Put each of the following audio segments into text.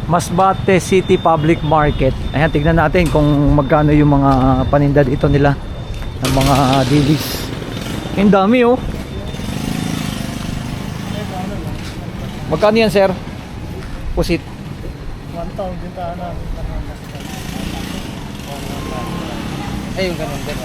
Masbate City Public Market. Ayan, tignan natin kung magkano yung mga paninda dito nila ng mga dilis. Ang dami oh. Magkano yan, sir? Pusit. 1,000 taan na. Ay, yung ganun din.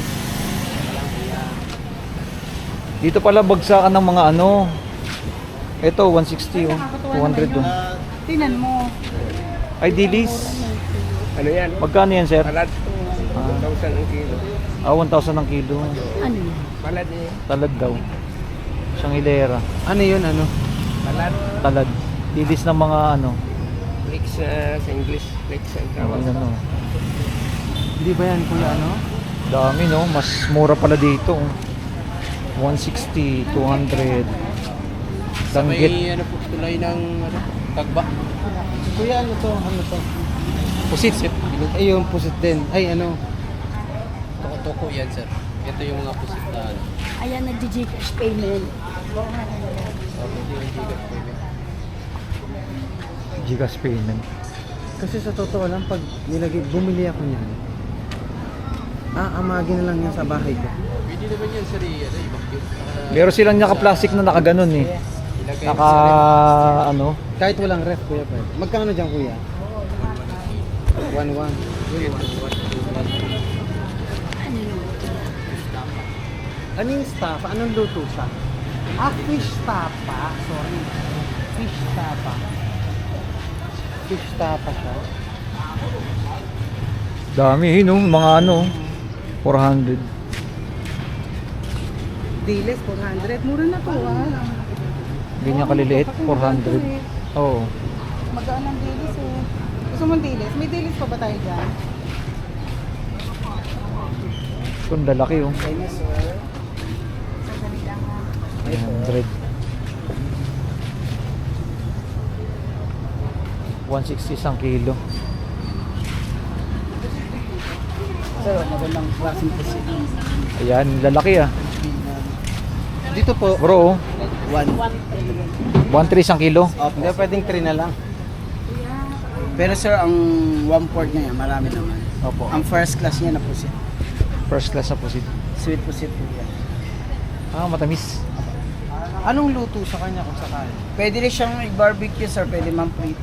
Dito pala bagsakan ng mga ano. Ito 160 oh. 200 oh. Tinan mo. Ay dilis. Ano yan? Magkano yan, sir? Palad. 1,000 ang kilo. 1,000 ang kilo. Ano yun? Palad eh. Talad daw. Isang hilera. Ano yun, ano? Palad. Talad. Dilis ng mga ano. Flakes sa English. Flakes ang tawag. Ano. Hindi ba yan, kuya, ano? Dami no. Mas mura pala dito. 160, 200. Danggit. May ano po, tulay ng ano, tagba. Kuya, ano to? Ano to? Pusit. Ay, yung pusit din. Ay, ano? Toko-toko yan, sir. Ito yung mga pusit na ano. Ayan, nag-Gcash payment. Gigas payment. Kasi sa totoo lang, pag bumili ako niyan, amagin na lang yan sa bahay ko. Pwede naman yan, sir. Meron silang naka-plastic na nakaganon eh. Naka ano. Kahit walang ref, kuya, pwede. Magkano dyan, kuya? 1,1. Ano yun? Anong staff? Anong luto siya? Fish tapa. Sorry. Fish tapa. Fish tapa siya. Dami no, mga ano. 400. Diles, 400. Mura na to, Ganyan kaliliit, 400. Oo. Magaan ang dilis, eh. Gusto mong dilis? May dilis pa ba tayo dyan? Kung lalaki oh. Dinosaur. Sandali lang, ha. 100. 160 isang kilo. Sir, magandang klaseng pusit. Ayan, lalaki ah. Dito po, Bro, 1. 1.3 isang kilo. Hindi, pwedeng 3 na lang. Pero sir, ang 1/4 niya, marami naman. Opo. Ang first class niya na pusit. First class na pusit. Sweet pusit po yan. Matamis. Anong luto sa kanya kung sakali? Pwede rin siyang i-barbecue sir, pwede man prito.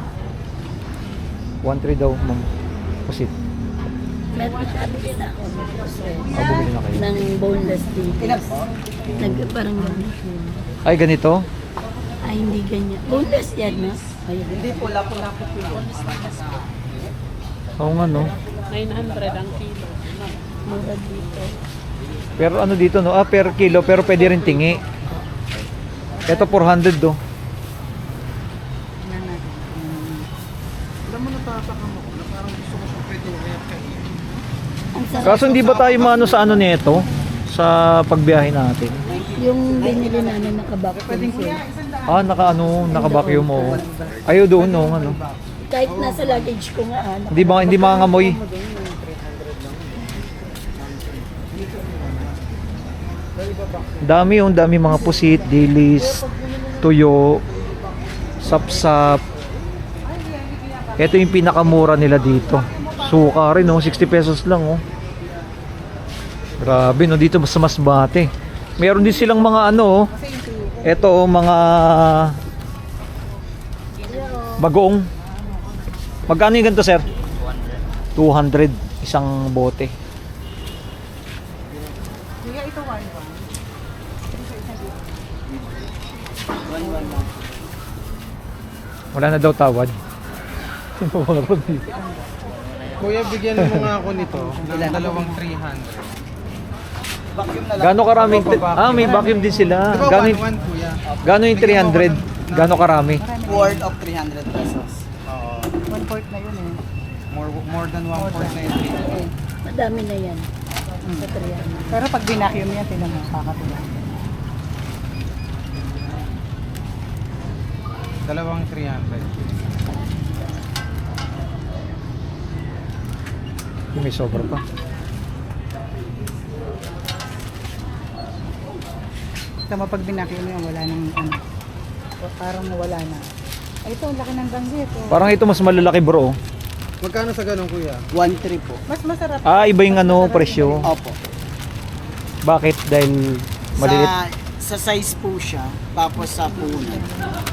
1.3 daw, ma'am. Pusit. Meron sabi din ako. Bumili na kayo. Ng boneless dilis. Parang gano'n. Ay, ganito? Ay, hindi ganyan. Boneless yan, no? Ayan. Hindi po, lapo-lapo po yun. Oo nga no. 900 ang kilo. Mura dito. Pero ano dito no? Per kilo, pero pwede rin tingi. Ito 400 do. Alam mo, natataka mo na parang gusto ko siyang prito kaya kainin. Ang sarap. Kaso hindi ba tayo maano sa ano nito? Sa pagbiyahe natin? Yung binili namin naka-vacuum seal. Naka-vacuum mo. Ayaw doon no, ano. Kahit nasa luggage ko nga, Hindi mangangamoy. Dami mga pusit, dilis, tuyo, sapsap. Ito yung pinakamura nila dito. Suka rin 60 pesos lang oh. Grabe no, dito sa Masbate. Meron din silang mga ano, ito mga bagoong. Magkano yung ganito, sir? 200 isang bote. Kaya ito 1-1. Wala na daw tawad. Kuya, bigyan mo nga ako nito ng dalawang 300. Vacuum na lang. Gano'ng karaming may vacuum din sila. Diba Gano'ng 1-1 kuya? gano yung 300? Gano'ng karami? Worth of 300 pesos. Oo. 1/4 na yun eh. More than 1/4 na yung 300. Madami na yan. Sa 300. Pero pag binacuum yan, tinan mo, kakatuwa. Dalawang 300. May sobra pa. Tama pag binacuum yan, wala nang ano. Parang nawala na. Ay, ito, ang laki ng danggit. Oh. Parang ito mas malalaki bro. Magkano sa ganun kuya? 1.3 po. Mas masarap. Iba yung ano, presyo. Opo. Bakit? Dahil maliit. Sa size po siya, tapos sa punan.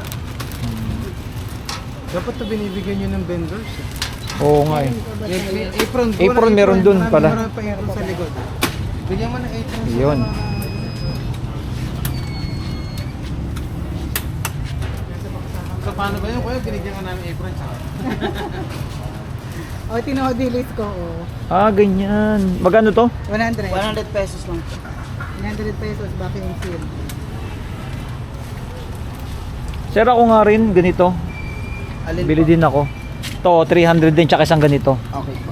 Dapat to binibigyan nyo ng vendors. Oo nga eh. Apron. Apron meron dun pala. Meron pa apron sa likod. Bigyan mo ng apron. Yun. So paano ba yun kuya? Binigyan ka namin apron sa O, dilis ko. Oh. Ganyan. Magkano to? 100. 100 pesos lang po. 100 pesos, vacuum seal. Sir, ako nga rin, ganito. Alin Bili po? din ako. To 300 din, tsaka isang ganito. Okay po.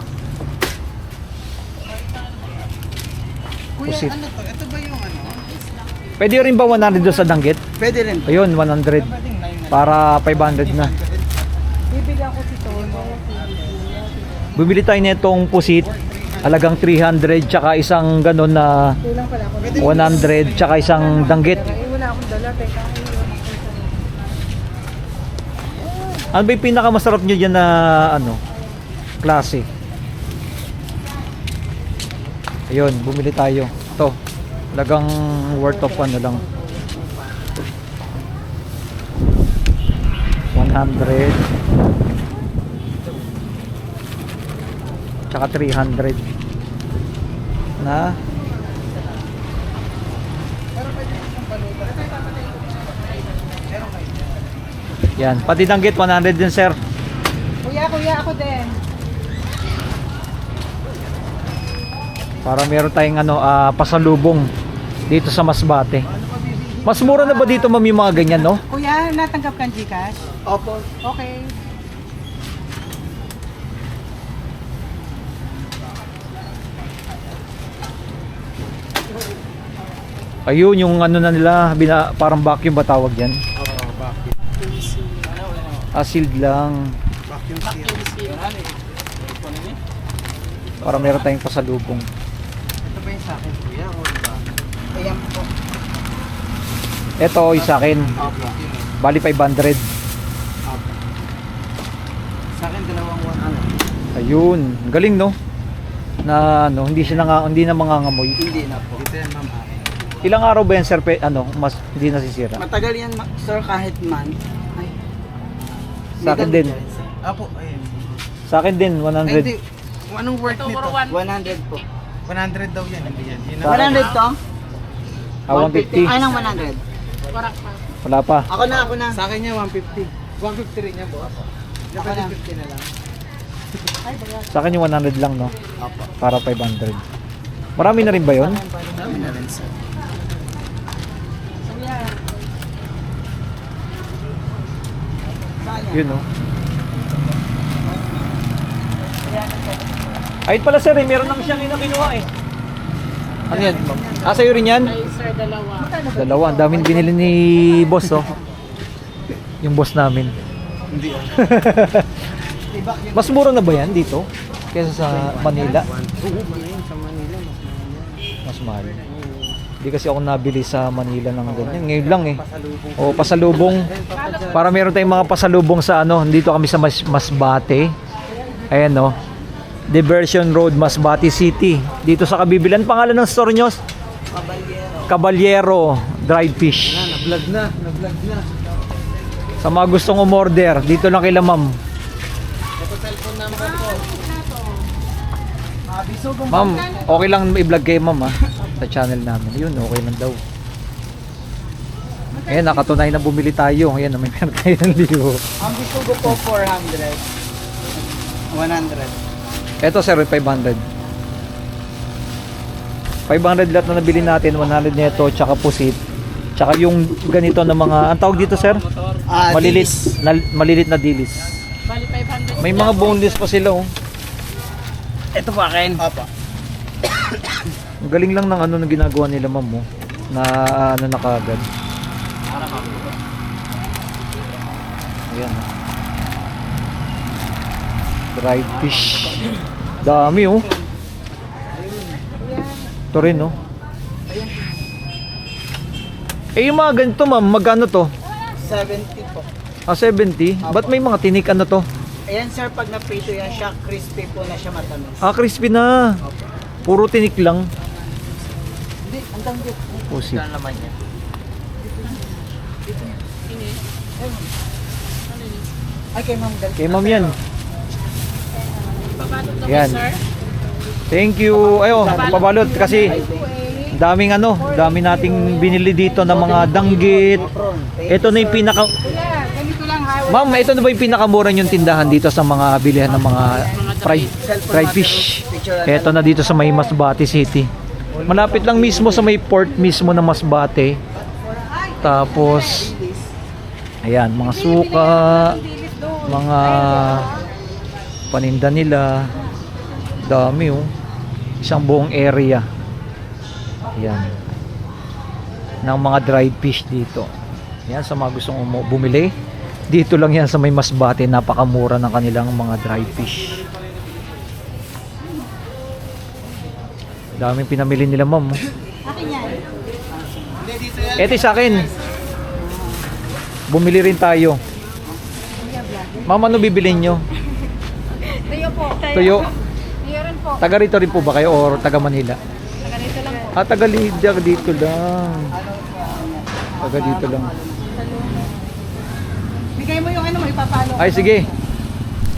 Kuya, Pusit. ano to? Ito ba yung ano? Pwede rin ba 100 doon sa danggit? Pwede rin po. Ayun, 100. Para 500 na. Bibigyan ko si Tono. Bibili tayo nitong pusit. Halagang 300, tsaka isang ganon na Kulang pala ako. 100, tsaka isang danggit. Wala akong dala. Teka, Ano ba yung pinakamasarap nyo dyan na ano, klase? Ayun, bumili tayo. Ito, talagang worth of ano lang. 100 tsaka 300 na yan, pati danggit 100 din sir. Kuya, ako din. Para meron tayong ano, pasalubong dito sa Masbate. Mas mura na ba dito ma'am yung mga ganyan, no? Kuya, natanggap kang Gcash? Opo. Okay. Ayun, yung ano na nila, parang vacuum ba tawag yan? Oo, vacuum. Sealed lang. Vacuum seal. Para meron tayong pasalubong. Ito ba yung sa akin kuya? O ba? Ayan po. Ito, isa akin. Opo. Bali 500. Opo. Sa akin dalawang 100. Ayun, galing no? Na ano, hindi na mangangamoy. Hindi na po. Ito yan ma'am akin. Ilang araw ba yan sir, mas hindi nasisira? Matagal yan, sir, kahit month. Ay. Sa akin din. Apo, ayun. Sa akin din, Ay, 100. hindi. Anong worth nito? 100 po. 100 daw yan, hindi yan. Yun Sa akin. 100 to? 150. Ay, nang 100. Wala pa. Ako na. Sa akin niya 150. 150 rin niya boss. Ako na. 50 na lang. Sa akin yung 100 lang, no? Opo. Para 500. Marami na rin ba yun? Dami na rin, sir. Yun, no? Ayun pala sir, meron naman siyang kinuha eh. Ano yan? Sa'yo rin yan? Sir, dalawa. Dalawa, ang daming binili ni boss, oh. Yung boss namin. Hindi. Mas mura na ba yan dito? Kesa sa Manila? Oo, yun sa Manila. Mas mahal. Hindi kasi ako nabili sa Manila ng ganyan. Ngayon lang eh. O, pasalubong. Para meron tayong mga pasalubong sa ano. Dito kami sa Masbate. Ayan no. Diversion Road, Masbate City. Dito sa Kabibilan. Pangalan ng store nyo? Caballero Dried Fish. Na-vlog na. Sa mga gustong umorder, dito lang kila ma'am. Ito cellphone number ko. Ma'am, okay lang i-vlog kayo ma'am ha. Sa channel namin. Yun, okay lang daw. Ayan, nakatunay na bumili tayo. Ayan, may meron tayo ng libo. Ang bisugo po 400. 100. Eto sir, 500. 500 lahat na nabili natin. 100 neto, tsaka pusit. Tsaka yung ganito na mga, ang tawag dito sir? Malilit, malilit na dilis. Bali 500. May mga boneless pa sila oh. Ito po akin. Opo. Ang galing lang ng ano na ginagawa nila ma'am mo. Na ano na kaagad. Ayan. Dried fish. Dami oh. Ito rin oh. Eh yung mga ganito ma'am, magkano to? 70 po. 70? Ba't may mga tinik ano to? Ayan sir, pag naprito yan siya, crispy po na siya matamis. Crispy na. Puro tinik lang. Hindi, ang danggit. Pusit. Ano naman yan? Ay, kay ma'am. Kay ma'am yan. Yan. Thank you. Ayo, pabalot kasi dami nating binili dito ng mga danggit. Ito na yung pinaka Kuya, ganito lang ha. Ma'am, ito na ba yung pinakamura yung tindahan dito sa mga bilihan ng mga fried fish? Ito na dito sa may Masbate City. Malapit lang mismo sa may port mismo ng Masbate. Tapos ayan, mga suka, mga paninda nila. Dami oh. Isang buong area. Ayan. Ng mga dried fish dito. Yan sa mga gustong bumili. Dito lang yan sa may Masbate, napakamura ng kanilang mga dried fish. Daming pinamili nila, ma'am. Akin yan. Ito sa akin. Bumili rin tayo. Ma'am, ano bibilin nyo? Tuyo po. Tuyo. Tuyo rin po. Taga rito rin po ba kayo or taga Manila? Taga dito lang po. Taga Lidia, dito lang. Taga dito lang. Bigay mo yung ano mo, ipapalo. Ay, sige.